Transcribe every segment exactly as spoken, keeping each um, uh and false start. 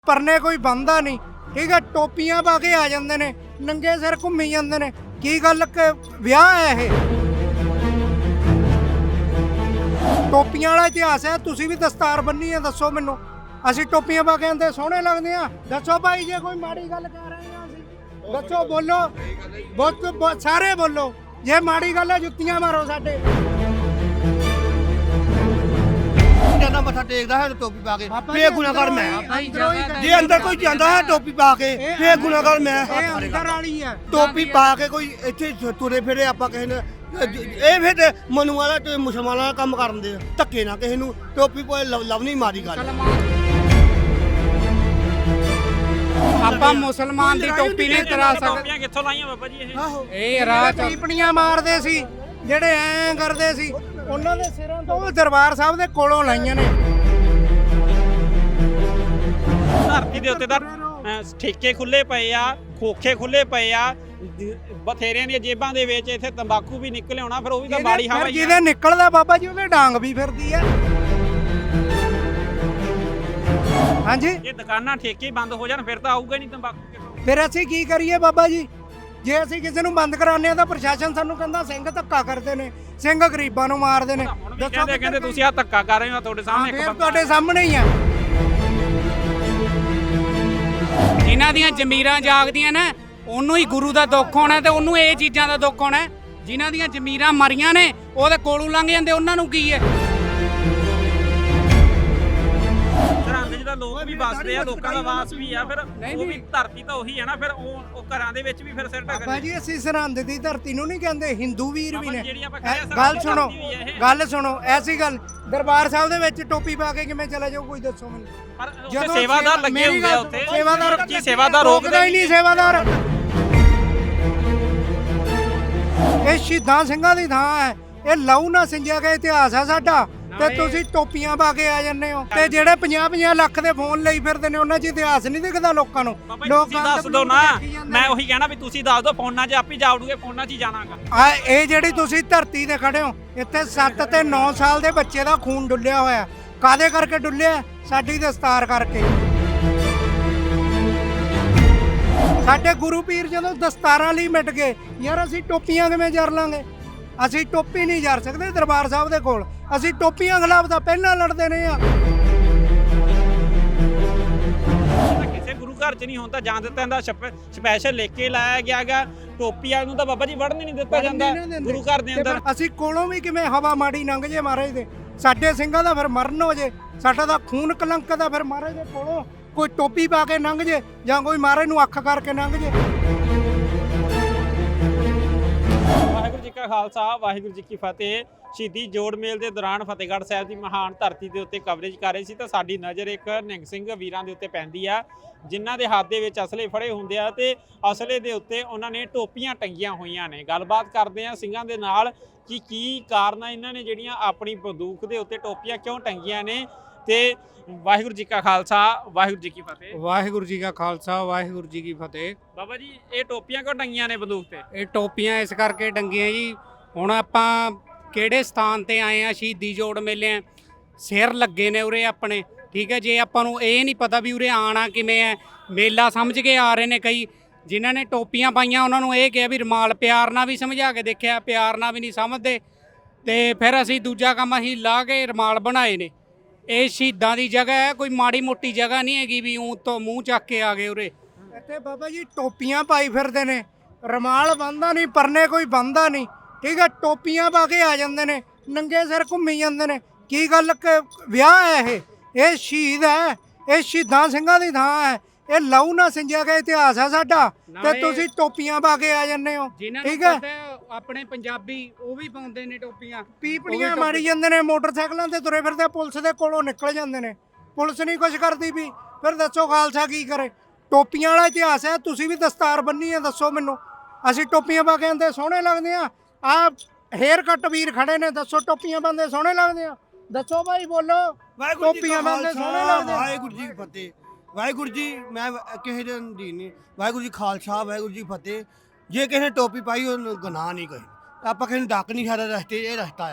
परने कोई बंदा नहीं ठीक है टोपियां पा के आ जाते ने नंगे सिर घूमी जाते ने की गल विआह है ये टोपियां वाला इतिहास है तुसी भी दस्तार बन्नी है दसो मैनू असी टोपियां पा के आंदे सोहने लगदे आ दसो भाई जे कोई माड़ी गल कर रहे हैं असी दसो बोलो बहुत सारे बोलो जे माड़ी गल है जुत्तियां मारो साडे जाना मत्था टेकदा है टोपी पा के फिर गुनाहगार मैं जे अंदर कोई जांदा है टोपी पा के फिर गुनाहगार मैं अंदर वाली है टोपी पा के कोई इत्थे तुरे फिरे ਆਪਾਂ ਕਿਸੇ ਨੇ ਇਹ ਫਿਰ ਮਨੂ ਵਾਲਾ ਤੇ ਮੁਸਲਮਾਨਾਂ ਦਾ ਕੰਮ ਕਰਨ ਦੇ ਧੱਕੇ ਨਾ ਕਿਸੇ ਨੂੰ ਟੋਪੀ ਕੋਈ ਲਵਨੀ ਮਾਰੀ ਗੱਲ ਆਪਾਂ ਮੁਸਲਮਾਨ ਦੀ ਟੋਪੀ ਨਹੀਂ ਤਰਾ ਸਕਦੇ ਟੋਪੀਆਂ ਕਿੱਥੋਂ ਲਾਈਆਂ ਬਾਬਾ ਜੀ ਇਹ ਇਹ ਰਾਹ ਟੀਪਣੀਆਂ ਮਾਰਦੇ ਸੀ ਜਿਹੜੇ ਐਂ ਕਰਦੇ ਸੀ ਉਹਨਾਂ ਦੇ ਸਿਰਾਂ ਤੋਂ ਉਹ ਦਰਬਾਰ ਸਾਹਿਬ ਦੇ ਕੋਲੋਂ ਲਾਈਆਂ ਨੇ ਧਰਤੀ ਦੇ ਉੱਤੇ ਤਾਂ ਠੇਕੇ ਖੁੱਲੇ ਪਏ ਆ ਖੋਖੇ ਖੁੱਲੇ ਪਏ ਆ ਬਥੇਰਿਆਂ ਦੀਆਂ ਜੇਬਾਂ ਦੇ ਵਿੱਚ ਇੱਥੇ ਤੰਬਾਕੂ ਵੀ ਨਿਕਲ ਆਉਣਾ ਫਿਰ ਉਹ ਵੀ ਤਾਂ ਬਾੜੀ ਹਵਾ ਹੀ ਜਿਹਦੇ ਨਿਕਲਦਾ ਬਾਬਾ ਜੀ ਉਹਦੇ ਡਾਂਗ ਵੀ ਫਿਰਦੀ ਆ ਹਾਂਜੀ ਇਹ ਦੁਕਾਨਾਂ ਠੇਕੇ ਬੰਦ ਹੋ ਜਾਣ ਫਿਰ ਤਾਂ ਆਊਗਾ ਨਹੀਂ ਤੰਬਾਕੂ ਫਿਰ ਅਸੀਂ ਕੀ ਕਰੀਏ ਬਾਬਾ ਜੀ ਜੇ ਅਸੀਂ ਕਿਸੇ ਨੂੰ ਬੰਦ ਕਰਾਉਂਦੇ ਆ ਤਾਂ ਪ੍ਰਸ਼ਾਸਨ ਸਾਨੂੰ ਕਹਿੰਦਾ ਸਿੰਘ ਧੱਕਾ ਕਰਦੇ ਨੇ ਸਿੰਘ ਗਰੀਬਾਂ ਨੂੰ ਮਾਰਦੇ ਨੇ ਦੱਸੋ ਕਹਿੰਦੇ ਤੁਸੀਂ ਆ ਧੱਕਾ ਕਰ ਰਹੇ ਹੋ ਤੁਹਾਡੇ ਸਾਹਮਣੇ ਇੱਕ ਬੰਦਾ ਤੁਹਾਡੇ ਸਾਹਮਣੇ ਹੀ ਆ ਜਿਨ੍ਹਾਂ ਦੀਆਂ ਜ਼ਮੀਰਾਂ ਜਾਗਦੀਆਂ ਨੇ ਉਹਨੂੰ ਹੀ ਗੁਰੂ ਦਾ ਦੁੱਖ ਹੋਣਾ ਤੇ ਉਹਨੂੰ ਇਹ ਚੀਜ਼ਾਂ ਦਾ ਦੁੱਖ ਹੋਣਾ ਜਿਨ੍ਹਾਂ ਦੀਆਂ ਜ਼ਮੀਰਾਂ ਮਰੀਆਂ ਨੇ ਉਹਦੇ ਕੋਲੋਂ ਲੰਘ ਜਾਂਦੇ ਉਹਨਾਂ ਨੂੰ ਕੀ ਹੈ ਸਰਹੰਦ ਜਿਹਦਾ ਲੋਕ ਵੀ ਵੱਸਦੇ ਆ ਲੋਕਾਂ ਦਾ ਵਾਸ ਵੀ ਆ ਫਿਰ ਉਹ ਵੀ ਧਰਤੀ ਤਾਂ ਉਹੀ ਹੈ ਨਾ ਫਿਰ ਉਹ ਉਹ ਘਰਾਂ ਦੇ ਵਿੱਚ ਵੀ ਫਿਰ ਸਿਰ ਢੱਕ ਬਾਬਾ ਜੀ ਅਸੀਂ ਸਰਹੰਦ ਦੀ ਧਰਤੀ ਨੂੰ ਨਹੀਂ ਕਹਿੰਦੇ ਹਿੰਦੂ ਵੀਰ ਵੀ ਨੇ ਜਿਹੜੀ ਆਪਾਂ ਕਹਿੰਦੇ ਗੱਲ ਸੁਣੋ ਗੱਲ ਸੁਣੋ ਐਸੀ ਗੱਲ ਦਰਬਾਰ ਸਾਹਿਬ ਦੇ ਵਿੱਚ ਟੋਪੀ ਪਾ ਕੇ ਕਿਵੇਂ ਚਲਾ ਜਾਓ ਕੋਈ ਦੱਸੋ ਮੈਨੂੰ ਪਰ ਉੱਥੇ ਸੇਵਾਦਾਰ ਲੱਗੇ ਹੁੰਦੇ ਆ ਉੱਥੇ ਸੇਵਾਦਾਰ ਕੀ ਸੇਵਾਦਾਰ ਰੋਕਦਾ ਹੀ ਨਹੀਂ ਸੇਵਾਦਾਰ ਇਹ ਸ਼ਹੀਦਾਂ ਸਿੰਘਾਂ ਦੀ ਥਾਂ ਹੈ ਇਹ ਲਹੂ ਨਾਲ ਸਿੰਜਿਆ ਗਿਆ ਇਤਿਹਾਸ ਹੈ ਸਾਡਾ ਤੇ ਤੁਸੀਂ ਟੋਪੀਆਂ ਪਾ ਕੇ ਆ ਜੰਨੇ ਹੋ ਤੇ ਜਿਹੜੇ ਪੰਜਾਹ ਪੰਜਾਹ ਲੱਖ ਦੇ ਫੋਨ ਲਈ ਫਿਰਦੇ ਨੇ ਉਹਨਾਂ 'ਚ ਇਤਿਹਾਸ ਨਹੀਂ ਦਿਖਦਾ ਲੋਕਾਂ ਨੂੰ ਲੋਕਾਂ ਦੱਸ ਦੋ ਨਾ ਮੈਂ ਉਹੀ ਕਹਿਣਾ ਵੀ ਤੁਸੀਂ ਦੱਸ ਦੋ ਫੋਨਾਂ 'ਚ ਆਪੀ ਜਾਵੜੂਗੇ ਫੋਨਾਂ 'ਚ ਹੀ ਜਾਣਾਗਾ ਆ ਇਹ ਜਿਹੜੀ ਤੁਸੀਂ ਧਰਤੀ ਤੇ ਖੜੇ ਹੋ ਇੱਥੇ ਸੱਤ ਤੇ ਨੌ ਸਾਲ ਦੇ ਬੱਚੇ ਦਾ ਖੂਨ ਡੁੱਲਿਆ ਹੋਇਆ ਕਾਦੇ ਕਰਕੇ ਡੁੱਲਿਆ ਸਾਡੀ ਦਸਤਾਰ ਕਰਕੇ ਸਾਡੇ ਗੁਰੂ ਪੀਰ ਜਦੋਂ ਦਸਤਾਰਾਂ ਲਈ ਮਿਟ ਗਏ ਯਾਰ ਅਸੀਂ ਟੋਪੀਆਂ ਕਿਵੇਂ ਜਰ ਲਾਂਗੇ ਅਸੀਂ ਟੋਪੀ ਨਹੀਂ ਜਰ ਸਕਦੇ ਦਰਬਾਰ ਸਾਹਿਬ ਦੇ ਕੋਲ ਅਸੀਂ ਟੋਪੀਆਂ ਖਿਲਾਫ ਤਾਂ ਪਹਿਲਾਂ ਲੜਦੇ ਰਹੇ ਆ ਕਿਸੇ ਗੁਰੂ ਘਰ 'ਚ ਨਹੀਂ ਹੁੰਦਾ ਜਾਂ ਦਿੱਤਾ ਜਾਂਦਾ ਸਪੈਸ਼ਲ ਲਿਖ ਕੇ ਲਾਇਆ ਗਿਆਗਾ ਟੋਪੀਆਂ ਨੂੰ ਤਾਂ ਬਾਬਾ ਜੀ ਵੜਨ ਨਹੀਂ ਦਿੱਤਾ ਜਾਂਦਾ ਗੁਰੂ ਘਰ ਦੇ ਅੰਦਰ ਅਸੀਂ ਕੋਲੋਂ ਵੀ ਕਿਵੇਂ ਹਵਾ ਮਾੜੀ ਲੰਘ ਜੇ ਮਹਾਰਾਜ ਦੇ ਸਾਡੇ ਸਿੰਘਾਂ ਦਾ ਫਿਰ ਮਰਨ ਹੋ ਜੇ ਸਾਡਾ ਦਾ ਖੂਨ ਕਲੰਕ ਦਾ ਫਿਰ ਮਹਾਰਾਜ ਦੇ ਕੋਲੋਂ ਕੋਈ ਟੋਪੀ ਪਾ ਕੇ ਲੰਘ ਜੇ ਜਾਂ ਕੋਈ ਮਹਾਰਾਜ ਨੂੰ ਅੱਖ ਕਰਕੇ ਲੰਘ ਜੇ ਵਾਹਿਗੁਰੂ ਜੀ ਕਾ ਖਾਲਸਾ ਵਾਹਿਗੁਰੂ ਜੀ ਕੀ ਫਤਿਹ ਸ਼ਹੀਦੀ ਜੋੜ ਮੇਲ ਦੇ ਦੌਰਾਨ ਫਤਿਹਗੜ੍ਹ ਸਾਹਿਬ ਦੀ ਮਹਾਨ ਧਰਤੀ ਦੇ ਉੱਤੇ ਕਵਰੇਜ ਕਰ ਰਹੇ ਸੀ ਤਾਂ ਸਾਡੀ ਨਜ਼ਰ ਇੱਕ ਨਿਹੰਗ ਸਿੰਘ ਵੀਰਾਂ ਦੇ ਉੱਤੇ ਪੈਂਦੀ ਆ ਜਿਨ੍ਹਾਂ ਦੇ ਹੱਥ ਦੇ ਵਿੱਚ ਅਸਲੇ ਫੜੇ ਹੁੰਦੇ ਆ ਤੇ ਅਸਲੇ ਦੇ ਉੱਤੇ ਉਹਨਾਂ ਨੇ ਟੋਪੀਆਂ ਟੰਗੀਆਂ ਹੋਈਆਂ ਨੇ ਗੱਲਬਾਤ ਕਰਦੇ ਆ ਸਿੰਘਾਂ ਦੇ ਨਾਲ ਕਿ ਕੀ ਕਾਰਨ ਆ ਇਹਨਾਂ ਨੇ ਜਿਹੜੀਆਂ ਆਪਣੀ ਬੰਦੂਕ ਦੇ ਉੱਤੇ ਟੋਪੀਆਂ ਕਿਉਂ ਟੰਗੀਆਂ ਨੇ ਤੇ ਵਾਹਿਗੁਰੂ ਜੀ ਕਾ ਖਾਲਸਾ ਵਾਹਿਗੁਰੂ ਜੀ ਕੀ ਫਤਿਹ ਵਾਹਿਗੁਰੂ ਜੀ ਕਾ ਖਾਲਸਾ ਵਾਹਿਗੁਰੂ ਜੀ ਕੀ ਫਤਿਹ ਬਾਬਾ ਜੀ ਇਹ ਟੋਪੀਆਂ ਕਿਉਂ ਟੰਗੀਆਂ ਨੇ ਬੰਦੂਕ ਤੇ ਇਹ ਟੋਪੀਆਂ ਇਸ ਕਰਕੇ ਟੰਗੀਆਂ ਜੀ ਹੁਣ ਆਪਾਂ ਕਿਹੜੇ ਸਥਾਨ ਤੇ ਆਏ ਆ ਸ਼ਹੀਦੀ ਜੋੜ ਮੇਲੇ ਆ ਸਿਰ ਲੱਗੇ ਨੇ ਉਰੇ ਆਪਣੇ ਠੀਕ ਹੈ ਜੇ ਆਪਾਂ ਨੂੰ ਇਹ ਨਹੀਂ ਪਤਾ ਵੀ ਉਰੇ ਆਣਾ ਕਿਵੇਂ ਹੈ ਮੇਲਾ ਸਮਝ ਕੇ ਆ ਰਹੇ ਨੇ ਕਈ ਜਿਨ੍ਹਾਂ ਨੇ ਟੋਪੀਆਂ ਪਾਈਆਂ ਉਹਨਾਂ ਨੂੰ ਇਹ ਕਿਹਾ ਵੀ ਰੁਮਾਲ ਪਿਆਰ ਨਾਲ ਵੀ ਸਮਝਾ ਕੇ ਦੇਖਿਆ ਪਿਆਰ ਨਾਲ ਵੀ ਨਹੀਂ ਸਮਝਦੇ ਤੇ ਫਿਰ ਅਸੀਂ ਦੂਜਾ ਕੰਮ ਅਸੀਂ ਲਾ ਕੇ ਰੁਮਾਲ ਬਣਾਏ ਨੇ ਇਹ ਸ਼ਹੀਦਾਂ ਦੀ ਜਗ੍ਹਾ ਹੈ ਕੋਈ ਮਾੜੀ ਮੋਟੀ ਜਗ੍ਹਾ ਨਹੀਂ ਹੈਗੀ ਵੀ ਊਂ ਤੋਂ ਮੂੰਹ ਚੱਕ ਕੇ ਆ ਗਏ ਉਰੇ ਇੱਥੇ ਬਾਬਾ ਜੀ ਟੋਪੀਆਂ ਪਾਈ ਫਿਰਦੇ ਨੇ ਰੁਮਾਲ ਬੰਨਦਾ ਨਹੀਂ ਪਰਨੇ ਕੋਈ ਬੰਨਦਾ ਨਹੀਂ ਠੀਕ ਹੈ ਟੋਪੀਆਂ ਪਾ ਕੇ ਆ ਜਾਂਦੇ ਨੇ ਨੰਗੇ ਸਿਰ ਘੁੰਮੀ ਜਾਂਦੇ ਨੇ ਕੀ ਗੱਲ ਵਿਆਹ ਹੈ ਇਹ ਇਹ ਸ਼ਹੀਦ ਹੈ ਇਹ ਸ਼ਹੀਦਾਂ ਸਿੰਘਾਂ ਦੀ ਥਾਂ ਹੈ ਇਹ ਲਹੂ ਨਾਲ ਸਿੰਜਿਆ ਗਿਆ ਇਤਿਹਾਸ ਹੈ ਸਾਡਾ ਤੇ ਤੁਸੀਂ ਟੋਪੀਆਂ ਪਾ ਕੇ ਆ ਜਾਂਦੇ ਹੋ ਠੀਕ ਹੈ ਆਪਣੇ ਪੰਜਾਬੀ ਉਹ ਵੀ ਪਾਉਂਦੇ ਨੇ ਟੋਪੀਆਂ ਪੀਪਣੀਆਂ ਮਾਰੀ ਜਾਂਦੇ ਨੇ ਮੋਟਰਸਾਈਕਲਾਂ ਤੇ ਤੁਰੇ ਫਿਰਦੇ ਪੁਲਿਸ ਦੇ ਕੋਲੋਂ ਨਿਕਲ ਜਾਂਦੇ ਨੇ ਪੁਲਿਸ ਨਹੀਂ ਕੁਝ ਕਰਦੀ ਵੀ ਫਿਰ ਦੱਸੋ ਖਾਲਸਾ ਕੀ ਕਰੇ ਟੋਪੀਆਂ ਵਾਲਾ ਇਤਿਹਾਸ ਹੈ ਤੁਸੀਂ ਵੀ ਦਸਤਾਰ ਬੰਨੀ ਹੈ ਦੱਸੋ ਮੈਨੂੰ ਅਸੀਂ ਟੋਪੀਆਂ ਪਾ ਕੇ ਆਂਦੇ ਸੋਹਣੇ ਲੱਗਦੇ ਆ ਆ ਹੇਅਰ ਕੱਟ ਵੀਰ ਖੜੇ ਨੇ ਦੱਸੋ ਟੋਪੀਆਂ ਬੰਦੇ ਸੋਹਣੇ ਲੱਗਦੇ ਆ ਦੱਸੋ ਭਾਈ ਬੋਲੋ ਟੋਪੀਆਂ ਬੰਦੇ ਸੋਹਣੇ ਲੱਗਦੇ ਵਾਹਿਗੁਰੂ ਜੀ ਫਤਿਹ ਵਾਹਿਗੁਰੂ ਜੀ ਮੈਂ ਕਿਸੇ ਦੇ ਅਧੀਨ ਨਹੀਂ ਵਾਹਿਗੁਰੂ ਜੀ ਖਾਲਸਾ ਵਾਹਿਗੁਰੂ ਜੀ ਫਤਿਹ ਜੇ ਕਿਸੇ ਨੇ ਟੋਪੀ ਪਾਈ ਉਹ ਗੁਨਾਹ ਨਹੀਂ ਕੋਈ ਆਪਾਂ ਕਿਸੇ ਨੂੰ ਡੱਕ ਨਹੀਂ ਸਕਦਾ ਰਸਤੇ ਇਹ ਰਸਤਾ ਆ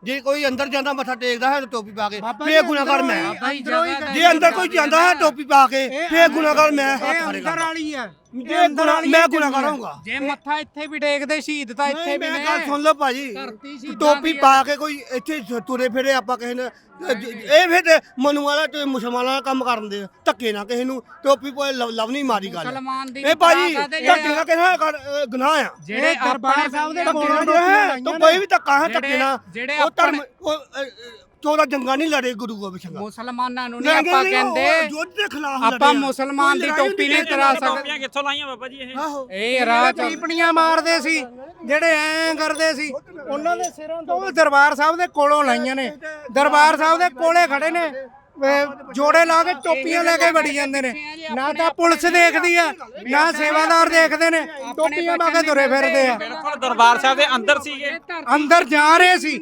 ਜੇ ਕੋਈ ਅੰਦਰ ਜਾਂਦਾ ਮੱਥਾ ਟੇਕਦਾ ਹੈ ਤਾਂ ਟੋਪੀ ਪਾ ਕੇ ਬਾਬਾ ਫੇਰ ਜੀ ਗੁਨਾਹਗਾਰ ਮੈਂ ਅੰਦਰੋਂ ਹੀ- ਅੰਦਰੋਂ ਹੀ ਜੇ ਅੰਦਰ ਕੋਈ ਜਾਂਦਾ ਹੈ ਟੋਪੀ ਪਾ ਕੇ ਫੇਰ ਗੁਨਾਹਗਾਰ ਮੈਂ ਹੱਥ ਇਹ ਖੜੇ ਅੰਦਰ ਕਰਦਾ ਵਾਲੀ ਆ ਜੇ ਗੁਨਾਹ ਮੈਂ ਗੁਨਾਹਗਾਰ ਹੋਊਗਾ ਜੇ ਮੱਥਾ ਇੱਥੇ ਵੀ ਟੇਕਦੇ ਸ਼ਹੀਦ ਤਾਂ ਇੱਥੇ ਵੀ ਮੈਂ ਨੇ ਗੱਲ ਸੁਣ ਲਓ ਭਾਜੀ ਧਰਤੀ ਸ਼ਹੀਦਾਂ ਟੋਪੀ ਦੀ ਆ। ਪਾ ਕੇ ਕੋਈ ਇੱਥੇ ਤੁਰੇ ਫਿਰੇ ਆਪਾਂ ਕਿਸੇ ਨੇ ਇਹ ਫਿਰ ਤੇ ਮਨੂ ਵਾਲਾ ਤੇ ਮੁਸਲਮਾਨਾਂ ਦਾ ਕੰਮ ਕਰਨ ਦੇ ਧੱਕੇ ਨਾ ਕਿਸੇ ਨੂੰ ਟੋਪੀ ਪੋਏ ਲਵ ਨਹੀਂ ਮਾਰੀ ਗੱਲ ਮੁਸਲਮਾਨ ਦੀ ਇਹ ਭਾਜੀ ਪਤਾ ਤੇ ਧੱਕੇ ਨਾਲ ਕਿਸੇ ਗੁਨਾਹ ਆ ਜਿਹੜੇ ਇਹ ਦਰਬਾਰ ਆਪਣੇ ਸਾਹਿਬ ਦੇ ਧੱਕੇ ਕੋਲੋਂ ਨਾਲ ਹੈ ਤਾਂ ਕੋਈ ਵੀ ਧੱਕਾ ਹੈ ਧੱਕੇ ਨਾਲ ਜਿਹੜੇ ਉਹ ਧਰਮ ਆਪਣੇ ਉਹ ਚੋਦਾ ਜੰਗਾ ਨਹੀਂ ਲੜੇ ਗੁਰੂ ਗੋਬਿੰਦ ਸਿੰਘ ਮੁਸਲਮਾਨਾਂ ਨੂੰ ਨਹੀਂ ਆਪਾਂ ਕਹਿੰਦੇ ਯੁੱਧ ਦੇ ਖਿਲਾਫ ਆਪਾਂ ਮੁਸਲਮਾਨ ਦੀ ਟੋਪੀ ਨਹੀਂ ਤਰਾ ਸਕਦੇ ਟੋਪੀਆਂ ਕਿੱਥੋਂ ਲਾਈਆਂ ਬਾਬਾ ਜੀ ਇਹ ਆਹੋ ਇਹ ਰਾਹ ਚ ਪੀਪਣੀਆਂ ਮਾਰਦੇ ਸੀ ਜਿਹੜੇ ਐਂ ਕਰਦੇ ਸੀ ਉਹਨਾਂ ਦੇ ਸਿਰਾਂ ਤੋਂ ਉਹ ਦਰਬਾਰ ਸਾਹਿਬ ਦੇ ਕੋਲੋਂ ਲਾਈਆਂ ਨੇ ਦਰਬਾਰ ਸਾਹਿਬ ਦੇ ਕੋਲੇ ਖੜੇ ਨੇ ਅਹ ਜੋੜੇ ਲਾ ਕੇ ਟੋਪੀਆਂ ਲੈ ਕੇ ਵੜੀ ਜਾਂਦੇ ਨੇ ਨਾ ਤਾਂ ਪੁਲਿਸ ਦੇਖਦੀ ਆ ਨਾ ਸੇਵਾਦਾਰ ਦੇਖਦੇ ਨੇ ਟੋਪੀਆਂ ਪਾ ਕੇ ਤੁਰੇ ਫਿਰਦੇ ਆ ਬਿਲਕੁਲ ਦਰਬਾਰ ਸਾਹਿਬ ਦੇ ਅੰਦਰ ਸੀਗੇ ਅੰਦਰ ਜਾ ਰਹੇ ਸੀ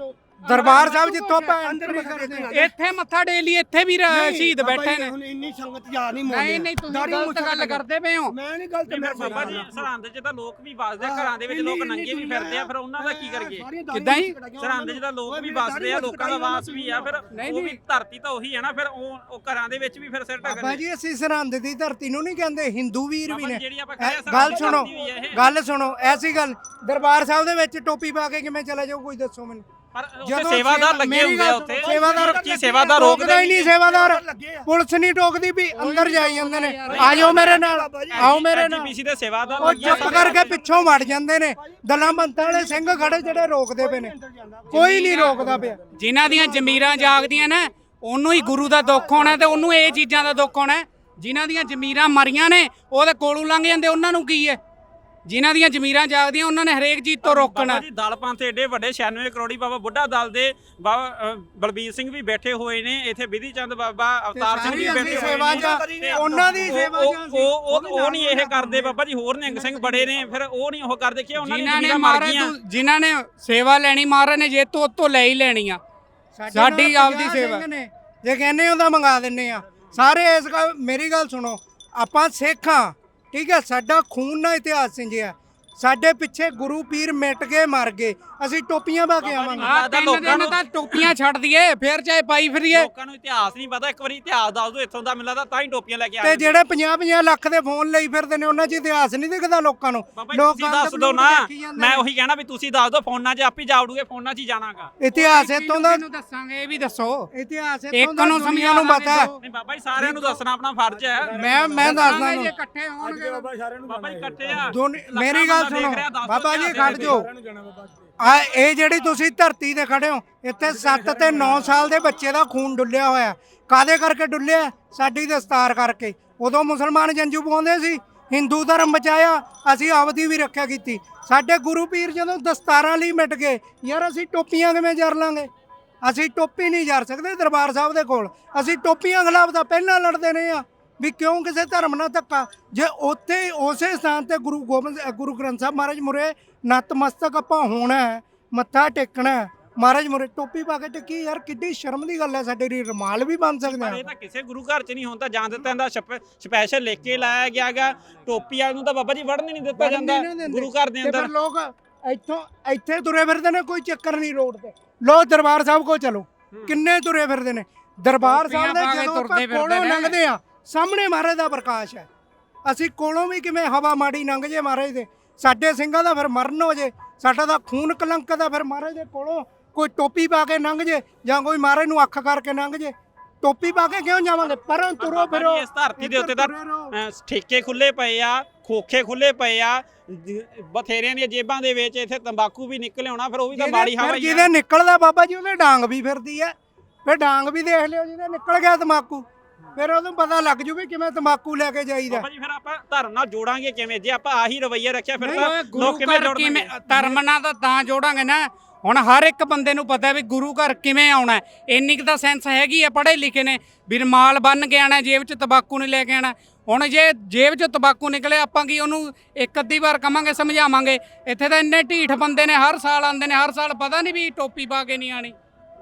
ਦਰਬਾਰ ਸਾਹਿਬ ਜਿੱਥੋਂ ਆਪਾਂ ਐਂਟਰੀ ਕਰਦੇ ਆ ਇੱਥੇ ਮੱਥਾ ਡੇਲੀ ਇੱਥੇ ਵੀ ਰ- ਸ਼ਹੀਦ ਬੈਠੇ ਨੇ ਹੁਣ ਇੰਨੀ ਸੰਗਤ ਜਾ ਨਹੀਂ ਮੋੜਦੇ ਨਹੀਂ ਨਹੀਂ ਤੁਸੀਂ ਗਲਤ ਗੱਲ ਕਰਦੇ ਪਏ ਹੋ ਮੈਂ ਨਹੀਂ ਗਲਤ ਮੈਂ ਬਾਬਾ ਜੀ ਸਰਹੰਦ 'ਚ ਤਾਂ ਲੋਕ ਵੀ ਵੱਸਦੇ ਆ, ਘਰਾਂ ਦੇ ਵਿੱਚ ਲੋਕ ਨੰਗੇ ਵੀ ਫਿਰਦੇ ਆ ਫਿਰ ਉਹਨਾਂ ਦਾ ਕੀ ਕਰੀਏ ਕਿੱਦਾਂ ਹੀ? ਸਰਹੰਦ 'ਚ ਤਾਂ ਲੋਕ ਵੀ ਵੱਸਦੇ ਆ ਲੋਕਾਂ ਦਾ ਵਾਸ ਵੀ ਆ ਫਿਰ ਉਹ ਵੀ ਧਰਤੀ ਤਾਂ ਉਹੀ ਹੈ ਨਾ ਫਿਰ ਉਹ ਉਹ ਘਰਾਂ ਦੇ ਵਿੱਚ ਵੀ ਫਿਰ ਸਿਰ ਬਾਬਾ ਢੱਕਦੇ ਜੀ ਅਸੀਂ ਸਰਹੰਦ ਦੀ ਧਰਤੀ ਨੂੰ ਨਹੀਂ ਕਹਿੰਦੇ ਹਿੰਦੂ ਵੀਰ ਵੀ ਬਾਬਾ ਨੇ ਜੀ, ਜਿਹੜੀ ਆਪਾਂ ਐ- ਕਹਿੰਦੇ ਆ ਗੱਲ ਸਰਹੰਦ ਸੁਣੋ ਦੀ ਧਰਤੀ ਵੀ ਹੈ ਇਹ। ਗੱਲ ਸੁਣੋ ਐਸੀ ਗੱਲ ਦਰਬਾਰ ਸਾਹਿਬ ਦੇ ਵਿੱਚ ਟੋਪੀ ਪਾ ਕੇ ਕਿਵੇਂ ਚਲੇ ਜਾਓ ਕੋਈ ਦੱਸੋ ਮੈਨੂੰ ਪਰ ਉੱਥੇ ਜਦੋਂ ਸੇਵਾਦਾਰ ਸੇਵਾ- ਲੱਗੇ ਮੇਰੀ ਹੁੰਦੇ ਆ ਗੱਲ ਉੱਥੇ ਸੁਣੋ, ਸੇਵਾਦਾਰ ਕੀ ਸੇਵਾਦਾਰ ਰੋਕਦਾ ਰੋਕਦੇ ਹੀ ਨਹੀਂ ਸੇਵਾਦਾਰ ਪੁਲਿਸ ਨਹੀਂ ਟੋਕਦੀ ਵੀ ਅੰਦਰ ਜਾਈ ਜਾਂਦੇ ਨੇ ਆ ਜਾਓ ਮੇਰੇ ਨਾਲ ਆਓ ਮੇਰੇ ਨਾਲ ਐਜੀਪੀਸੀ ਦੇ ਸੇਵਾਦਾਰ ਉਹ ਲੱਗੇ ਆ ਚੁੱਪ ਕਰਕੇ ਪਿੱਛੋਂ ਵੜ ਜਾਂਦੇ ਨੇ ਦਲਾਂ ਬੰਤਾਂ ਵਾਲੇ ਸਿੰਘ ਖੜੇ ਜਿਹੜੇ ਰੋਕਦੇ ਪਏ ਨੇ ਕੋਈ ਨਹੀਂ ਰੋਕਦਾ ਪਿਆ ਜਿਨ੍ਹਾਂ ਦੀਆਂ ਜ਼ਮੀਰਾਂ ਜਾਗਦੀਆਂ ਨੇ ਉਹਨੂੰ ਹੀ ਗੁਰੂ ਦਾ ਦੁੱਖ ਹੋਣਾ ਤੇ ਉਹਨੂੰ ਇਹ ਚੀਜ਼ਾਂ ਦਾ ਦੁੱਖ ਹੋਣਾ ਜਿਨ੍ਹਾਂ ਦੀਆਂ ਜ਼ਮੀਰਾਂ ਮਰੀਆਂ ਨੇ ਉਹਦੇ ਕੋਲੋਂ ਲੰਘ ਜਾਂਦੇ ਉਹਨਾਂ ਨੂੰ ਕੀ ਹੈ ਜਿਨ੍ਹਾਂ ਦੀਆਂ ਜ਼ਮੀਰਾਂ ਜਾਗਦੀਆਂ ਉਹਨਾਂ ਨੇ ਹਰੇਕ ਚੀਜ਼ ਤੋਂ ਰੋਕਣਾ ਬਾਬਾ ਜੀ ਦਲ ਪੰਥ ਏਡੇ ਵੱਡੇ ਛਿਆਨਵੇਂ ਕਰੋੜੀ ਬਾਬਾ ਬੁੱਢਾ ਦਲ ਦੇ ਬਾਬਾ ਅ, ਬਲਬੀਰ ਸਿੰਘ ਵੀ ਬੈਠੇ ਹੋਏ ਨੇ ਇੱਥੇ ਵਿਧੀ ਚੰਦ ਬਾਬਾ ਅਵਤਾਰ ਸਿੰਘ ਵੀ ਸਾਰੀ ਬੈਠੇ ਅਸੀਂ ਹੋਏ ਸੇਵਾ ਨੇ ਜਾਂ ਤੇ ਉਹਨਾਂ ਦੀ ਉਹ- ਸੇਵਾ ਉਹ- ਜਾਂ ਉਹ ਉਹ ਉਹ ਨਹੀਂ ਇਹ ਕਰਦੇ ਬਾਬਾ ਜੀ ਹੋਰ ਨਿਹੰਗ ਸਿੰਘ ਬੜੇ ਨੇ ਫਿਰ ਉਹ ਨਹੀਂ ਉਹ ਕਰਦੇ ਕਿ ਉਹਨਾਂ ਦੀਆਂ ਜਿਨ੍ਹਾਂ ਨੇ ਜ਼ਮੀਰਾਂ ਮਰ ਮਾਰੇ ਗਈਆਂ ਤੂੰ- ਜਿਨ੍ਹਾਂ ਨੇ ਸੇਵਾ ਲੈਣੀ ਮਾਰ ਰਹੇ ਨੇ ਜੇ ਤੋਂ ਉਤੋਂ ਲੈ ਹੀ ਲੈਣੀ ਆ ਸਾਡੀ ਨਾਲ ਆਪਦੀ ਪੰਜਾਹ ਸੇਵਾ। ਸਿੰਘ ਨੇ, ਜੇ ਕਹਿੰਦੇ ਹੋ ਤਾਂ ਮੰਗਾ ਦਿੰਨੇ ਆ ਸਾਰੇ ਇਸ ਗੱਲ ਮੇਰੀ ਗੱਲ ਸੁਣੋ ਆਪਾਂ ਸਿੱਖ ਆ ਠੀਕ ਹੈ ਸਾਡਾ ਖੂਨ ਨਾਲ ਇਤਿਹਾਸ ਸਿੰਜਿਆ ਸਾਡੇ ਪਿੱਛੇ ਗੁਰੂ ਪੀਰ ਮਿਟ ਕੇ ਮਰ ਗਏ ਅਸੀਂ ਟੋਪੀਆਂ ਪਾ ਕੇ ਆਵਾਂਗੇ ਆ ਤਿੰਨ ਦਿਨ ਤਾਂ ਟੋਪੀਆਂ ਛੱਡ ਦਈਏ ਫੇਰ ਚਾਹੇ ਪਾਈ ਫਿਰੀਏ ਲੋਕਾਂ ਨੂੰ ਇਤਿਹਾਸ ਨਹੀਂ ਪਤਾ ਇੱਕ ਵਾਰੀ ਇਤਿਹਾਸ ਦੱਸ ਦਿਓ ਇੱਥੋਂ ਦਾ ਮੈਨੂੰ ਲੱਗਦਾ ਤਾਂ ਹੀ ਟੋਪੀਆਂ ਲੈ ਕੇ ਆ ਤੇ ਜਿਹੜੇ ਪੰਜਾਹ ਪੰਜਾਹ ਲੱਖ ਦੇ ਫੋਨ ਲਈ ਫਿਰਦੇ ਨੇ ਉਹਨਾਂ 'ਚ ਇਤਿਹਾਸ ਨਹੀਂ ਦਿਖਦਾ ਲੋਕਾਂ ਨੂੰ ਬਾਬਾ ਜੀ ਤੁਸੀਂ ਦੱਸ ਦਿਓ ਨਾ ਮੈਂ ਉਹੀ ਕਹਿਣਾ ਵੀ ਤੁਸੀਂ ਦੱਸ ਦਿਓ ਫੋਨਾਂ 'ਚ ਆਪੇ ਜਾ ਉੜੂਗੇ ਫੋਨਾਂ 'ਚ ਹੀ ਜਾਣਾਗਾ ਇਤਿਹਾਸ ਇਤੋਂ ਦਾ ਨੂੰ ਦੱਸਾਂਗੇ ਇਹ ਵੀ ਦੱਸੋ ਇਤਿਹਾਸ ਇੱਕ ਇਤੋਂ ਦਾ ਨੂੰ ਦੁਨੀਆ ਨੂੰ ਸਮਝਾਉਣਾ ਪਤਾ ਵੀ ਨਹੀਂ ਬਾਬਾ ਜੀ ਸਾਰਿਆਂ ਨੂੰ ਦੱਸਣਾ ਆਪਣਾ ਫਰਜ਼ ਹੈ ਮੈਂ ਮੈਂ ਦੱਸਦਾ ਜੇ ਨੂੰ ਇਕੱਠੇ ਹੋਣਗੇ ਬਾਬਾ ਜੀ ਇਕੱਠੇ ਆ ਦੋਨੇ- ਲੱਖਾਂ ਮੇਰੀ ਗੱਲ ਬੰਦਾ ਸੁਣੋ ਦੇਖ ਰਿਹਾ, ਦੱਸ ਦਿਓ ਬਾਬਾ ਜੀ ਇਤਿਹਾਸ ਖੜ ਜਾਓ ਆ ਇਹ ਜਿਹੜੀ ਤੁਸੀਂ ਧਰਤੀ ਤੇ ਖੜੇ ਹੋ ਇੱਥੇ ਸੱਤ ਤੇ ਨੌ ਸਾਲ ਦੇ ਬੱਚੇ ਦਾ ਖੂਨ ਡੁੱਲਿਆ ਹੋਇਆ ਕਾਦੇ ਕਰਕੇ ਡੁੱਲਿਆ ਸਾਡੀ ਦਸਤਾਰ ਕਰਕੇ ਉਦੋਂ ਮੁਸਲਮਾਨ ਜੰਜੂ ਪਾਉਂਦੇ ਸੀ ਹਿੰਦੂ ਧਰਮ ਬਚਾਇਆ ਅਸੀਂ ਆਪਦੀ ਵੀ ਰੱਖਿਆ ਕੀਤੀ ਸਾਡੇ ਗੁਰੂ ਪੀਰ ਜਦੋਂ ਦਸਤਾਰਾਂ ਲਈ ਮਿਟ ਗਏ ਯਾਰ ਅਸੀਂ ਟੋਪੀਆਂ ਕਿਵੇਂ ਜਰ ਲਾਂਗੇ ਅਸੀਂ ਟੋਪੀ ਨਹੀਂ ਜਰ ਸਕਦੇ ਦਰਬਾਰ ਸਾਹਿਬ ਦੇ ਕੋਲ ਅਸੀਂ ਟੋਪੀਆਂ ਖਿਲਾਫ ਤਾਂ ਪਹਿਲਾਂ ਲੜਦੇ ਰਹੇ ਆ ਵੀ ਕਿਉਂ ਕਿਸੇ ਧਰਮ ਨਾਲ ਧੱਕਾ ਜੇ ਉੱਥੇ ਉਸੇ ਸਥਾਨ ਤੇ ਗੁਰੂ ਗੋਬਿੰਦ ਗੁਰੂ ਗ੍ਰੰਥ ਸਾਹਿਬ ਮਹਾਰਾਜ ਮੁਰੇ ਨਤਮਸਤਕ ਆਪਾਂ ਹੋਣਾ ਹੈ ਮੱਥਾ ਟੇਕਣਾ ਹੈ ਮਹਾਰਾਜ ਮੁਰੇ ਟੋਪੀ ਪਾ ਕੇ ਟਿੱਕੀ ਯਾਰ ਕਿੱਡੀ ਸ਼ਰਮ ਦੀ ਗੱਲ ਹੈ ਸਾਡੇ ਲਈ ਰੁਮਾਲ ਵੀ ਬਣ ਸਕਦੇ ਪਰ ਆ ਇਹ ਤਾਂ ਕਿਸੇ ਗੁਰੂ ਘਰ 'ਚ ਨਹੀਂ ਹੁੰਦਾ ਜਾਂ ਦਿੱਤਾ ਜਾਂਦਾ ਸਪੈਸ਼ਲ ਲਿਖ ਕੇ ਲਾਇਆ ਗਿਆਗਾ ਟੋਪੀ ਵਾਲ ਨੂੰ ਤਾਂ ਬਾਬਾ ਜੀ ਵੜਨ ਹੀ ਨਹੀਂ ਦਿੱਤਾ ਜਾਂਦਾ ਗੁਰੂ ਘਰ ਦੇ ਤੇ ਫਿਰ ਅੰਦਰ ਲੋਕ ਇੱਥੋਂ ਇੱਥੇ ਤੁਰੇ ਫਿਰਦੇ ਨੇ ਕੋਈ ਚੱਕਰ ਨਹੀਂ ਰੋਡ ਤੇ ਲੋ ਦਰਬਾਰ ਸਾਹਿਬ ਕੋ ਚਲੋ ਕਿੰਨੇ ਤੁਰੇ ਫਿਰਦੇ ਨੇ ਦਰਬਾਰ ਸਾਹਿਬ ਦੇ ਟੋਪੀਆਂ ਪਾ ਕੇ ਜਦੋਂ ਆਪਾਂ ਤੁਰਦੇ ਫਿਰਦੇ ਕੋਲੋਂ ਨੇ। ਲੰਘਦੇ ਆ ਸਾਹਮਣੇ ਮਹਾਰਾਜ ਦਾ ਪ੍ਰਕਾਸ਼ ਹੈ ਅਸੀਂ ਕੋਲੋਂ ਵੀ ਕਿਵੇਂ ਹਵਾ ਮਾੜੀ ਲੰਘ ਜੇ ਮਹਾਰਾਜ ਦੇ ਸਾਡੇ ਸਿੰਘਾਂ ਦਾ ਫਿਰ ਮਰਨ ਹੋ ਜੇ ਸਾਡਾ ਤਾਂ ਖੂਨ ਕਲੰਕ ਦਾ ਫਿਰ ਮਹਾਰਾਜ ਦੇ ਕੋਲੋਂ ਕੋਈ ਟੋਪੀ ਪਾ ਕੇ ਲੰਘ ਜੇ ਜਾਂ ਕੋਈ ਮਹਾਰਾਜ ਨੂੰ ਅੱਖ ਕਰਕੇ ਲੰਘ ਜੇ ਟੋਪੀ ਪਾ ਕੇ ਕਿਉਂ ਜਾਵਾਂਗੇ ਪਰਾਂ ਤੁਰੋ ਬਾਬਾ ਫਿਰੋ ਜੀ, ਇਸ ਧਰਤੀ ਦੇ ਉੱਤੇ ਤਾਂ ਤੁਰੇ ਰਹੋ। ਅਹ, ਠੇਕੇ ਖੁੱਲੇ ਪਏ ਆ ਖੋਖੇ ਖੁੱਲੇ ਪਏ ਆ ਜ- ਬਥੇਰਿਆਂ ਦੀਆਂ ਜੇਬਾਂ ਦੇ ਵਿੱਚ ਇੱਥੇ ਤੰਬਾਕੂ ਵੀ ਨਿਕਲ ਆਉਣਾ ਫਿਰ ਉਹ ਵੀ ਤਾਂ ਜਿਹਦੇ- ਮਾੜੀ ਹਵਾ ਫਿਰ ਹੀ ਆ ਜਿਹਦੇ ਨਿਕਲਦਾ ਬਾਬਾ ਜੀ ਉਹਦੇ ਡਾਂਗ ਵੀ ਫਿਰਦੀ ਹੈ ਫਿਰ ਡਾਂਗ ਵੀ ਦੇਖ ਲਿਓ ਜਿਹਦੇ ਨਿਕਲ ਗਿਆ ਤਮਾਕੂ ਫਿਰ ਉਹਨੂੰ ਪਤਾ ਲੱਗ ਜੂ ਵੀ ਕਿਵੇਂ ਤਮਾਕੂ ਲੈ ਕੇ ਜਾਈਦਾ ਬਾਬਾ ਜੀ ਫਿਰ ਆਪਾਂ ਧਰਮ ਨਾਲ ਜੋੜਾਂਗੇ ਕਿਵੇਂ ਜੇ ਆਪਾਂ ਆਹੀ ਰਵੱਈਆ ਰੱਖਿਆ ਫਿਰ ਓਏ ਤਾਂ ਗੁਰੂ ਲੋਕ ਕਿਵੇਂ ਘਰ ਜੋੜਨਗੇ ਕਿਵੇਂ ਧਰਮ ਨਾਲ ਤਾਂ ਤਾਂ ਜੋੜਾਂਗੇ ਨਾ ਹੁਣ ਹਰ ਇੱਕ ਬੰਦੇ ਨੂੰ ਪਤਾ ਵੀ ਗੁਰੂ ਘਰ ਕਿਵੇਂ ਆਉਣਾ ਹੈ। ਇੰਨੀ ਕੁ ਤਾਂ ਸੈਂਸ ਹੈਗੀ ਆ ਪੜ੍ਹੇ ਲਿਖੇ ਨੇ ਵੀ ਰੁਮਾਲ ਬੰਨ ਕੇ ਆਣਾ ਜੇਬ 'ਚ ਤੰਬਾਕੂ ਨਹੀਂ ਲੈ ਕੇ ਆਣਾ ਹੁਣ ਜੇ ਜੇਬ 'ਚ ਤੰਬਾਕੂ ਨਿਕਲੇ ਆਪਾਂ ਕੀ ਉਹਨੂੰ ਇੱਕ ਅੱਧੀ ਵਾਰ ਕਵਾਂਗੇ ਸਮਝਾਵਾਂਗੇ ਇੱਥੇ ਤਾਂ ਇੰਨੇ ਢੀਠ ਬੰਦੇ ਨੇ ਹਰ ਸਾਲ ਆਉਂਦੇ ਨੇ ਹਰ ਸਾਲ ਪਤਾ ਨਹੀਂ ਵੀ ਟੋਪੀ ਪਾ ਕੇ ਨਹੀਂ ਆਣੀ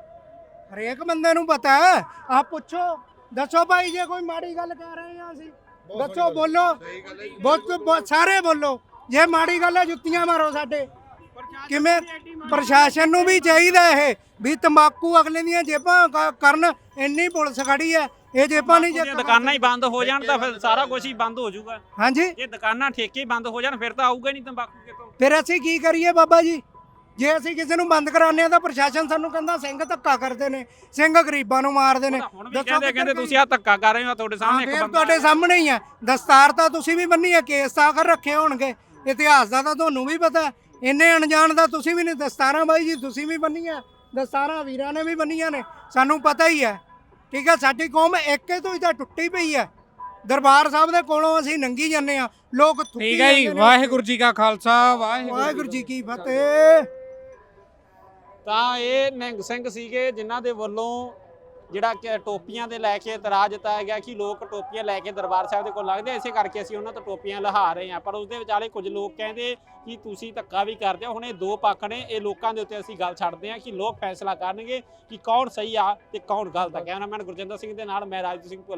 ਹਰੇਕ ਬੰਦੇ ਨੂੰ ਪਤਾ ਹੈ ਆ ਪੁੱਛੋ ਦੱਸੋ ਭਾਈ ਜੇ ਕੋਈ ਮਾੜੀ ਗੱਲ ਕਹਿ ਰਹੇ ਆ ਅਸੀਂ ਦੱਸੋ ਬੋਲੋ ਬਹੁਤ ਬਹੁਤ ਸਾਰੇ ਬੋਲੋ ਜੇ ਮਾੜੀ ਗੱਲ ਹੈ ਜੁੱਤੀਆਂ ਮਾਰੋ ਸਾਡੇ ਕਿਵੇਂ ਪ੍ਰਸ਼ਾਸਨ ਨੂੰ ਵੀ ਚਾਹੀਦਾ ਇਹ ਵੀ ਤੰਬਾਕੂ ਅਗਲੇ ਦੀਆਂ ਜੇਬਾਂ ਕ- ਕਰਨ, ਇੰਨੀ ਪੁਲਿਸ ਖੜੀ ਹੈ, ਇਹ ਜੇਬਾਂ ਨਹੀਂ ਜੇ ਚੱਕ ਦੁਕਾਨਾਂ ਹੀ ਬੰਦ ਹੋ ਜਾਣ ਤਾਂ ਫਿਰ ਸਾਰਾ ਕੁਝ ਹੀ ਬੰਦ ਹੋ ਜਾਊਗਾ। ਹਾਂਜੀ, ਜੇ ਦੁਕਾਨਾਂ ਠੇਕੇ ਹੀ ਬੰਦ ਹੋ ਜਾਣ ਫਿਰ ਤਾਂ ਆਊਗਾ ਨਹੀਂ ਤੰਬਾਕੂ ਕਿਤੋਂ। ਫਿਰ ਅਸੀਂ ਕੀ ਕਰੀਏ ਬਾਬਾ ਜੀ? ਜੇ ਅਸੀਂ ਕਿਸੇ ਨੂੰ ਬੰਦ ਕਰਾਉਂਦੇ ਆ ਤਾਂ ਪ੍ਰਸ਼ਾਸਨ ਸਾਨੂੰ ਕਹਿੰਦਾ ਸਿੰਘ ਧੱਕਾ ਕਰਦੇ ਨੇ, ਸਿੰਘ ਗਰੀਬਾਂ ਨੂੰ ਮਾਰਦੇ ਨੇ। ਹੁਣ ਵੀ ਦੱਸੋ ਕਹਿੰਦੇ ਕਹਿੰਦੇ ਕਿੱਧਰ ਤੁਸੀਂ ਆ ਧੱਕਾ ਕਰ ਰਹੇ ਹੋ, ਤੁਹਾਡੇ ਹਾਂ, ਸਾਹਮਣੇ ਇੱਕ ਫਿਰ ਬੰਦਾ ਤੁਹਾਡੇ ਸਾਹਮਣੇ ਹੀ ਆ। ਦਸਤਾਰ ਤਾਂ ਤੁਸੀਂ ਵੀ ਬੰਨੀ ਹੈ, ਕੇਸ ਤਾਂ ਕਰ ਰੱਖੇ ਹੋਣਗੇ, ਇਤਿਹਾਸ ਦਾ ਤਾਂ ਤੁਹਾਨੂੰ ਵੀ ਪਤਾ। ਇੰਨੇ ਅਣਜਾਣ ਦਾ ਤੁਸੀਂ ਵੀ ਨਹੀਂ। ਦਸਤਾਰਾਂ ਬਾਈ ਜੀ ਤੁਸੀਂ ਵੀ ਬੰਨੀਆਂ, ਦਸਤਾਰਾਂ ਵੀਰਾਂ ਨੇ ਵੀ ਬੰਨੀਆਂ ਨੇ, ਸਾਨੂੰ ਪਤਾ ਹੀ ਹੈ। ਠੀਕ ਹੈ, ਸਾਡੀ ਕੌਮ ਇੱਕੇ ਤੋਂ ਹੀ ਤਾਂ ਟੁੱਟੀ ਪਈ ਹੈ। ਦਰਬਾਰ ਸਾਹਿਬ ਦੇ ਕੋਲੋਂ ਅਸੀਂ ਨੰਗੀ ਜਾਂਦੇ ਆ, ਲੋਕ ਥੁੱਕੀ ਠੀਕ ਹੈ ਜੀ। ਜਾਂਦੇ ਨੇ। ਵਾਹਿਗੁਰੂ ਜੀ ਕਾ ਖਾਲਸਾ, ਵਾਹਿਗੁਰੂ ਵਾਹਿਗੁਰੂ ਜੀ ਕੀ ਫਤਿਹ। ਤਾਂ ਇਹ ਨਿਹੰਗ ਸਿੰਘ ਸੀਗੇ ਜਿਨ੍ਹਾਂ ਦੇ ਵੱਲੋਂ ਜਿਹੜਾ ਕਿ ਟੋਪੀਆਂ ਦੇ ਲੈ ਕੇ ਇਤਰਾਜ਼ ਜਤਾਇਆ ਗਿਆ ਕਿ ਲੋਕ ਟੋਪੀਆਂ ਲੈ ਕੇ ਦਰਬਾਰ ਸਾਹਿਬ ਦੇ ਕੋਲ ਲੱਗਦੇ ਆ, ਇਸੇ ਕਰਕੇ ਅਸੀਂ ਉਹਨਾਂ ਤੋਂ ਟੋਪੀਆਂ ਲਹਾ ਰਹੇ ਹਾਂ। ਪਰ ਉਸ ਦੇ ਵਿਚਾਲੇ ਕੁਝ ਲੋਕ ਕਹਿੰਦੇ ਕਿ ਤੁਸੀਂ ਧੱਕਾ ਵੀ ਕਰਦੇ ਹੋ। ਹੁਣ ਇਹ ਦੋ ਪੱਖ ਨੇ, ਇਹ ਲੋਕਾਂ ਦੇ ਉੱਤੇ ਅਸੀਂ ਗੱਲ ਛੱਡਦੇ ਹਾਂ ਕਿ ਲੋਕ ਫੈਸਲਾ ਕਰਨਗੇ ਕਿ ਕੌਣ ਸਹੀ ਆ ਤੇ ਕੌਣ ਗਲਤ ਆ। ਕੈਮਰਾਮੈਨ ਗੁਰਜਿੰਦਰ ਸਿੰਘ ਦੇ ਨਾਲ ਮੈਂ ਰਾਜਦੀਪ ਸਿੰਘ।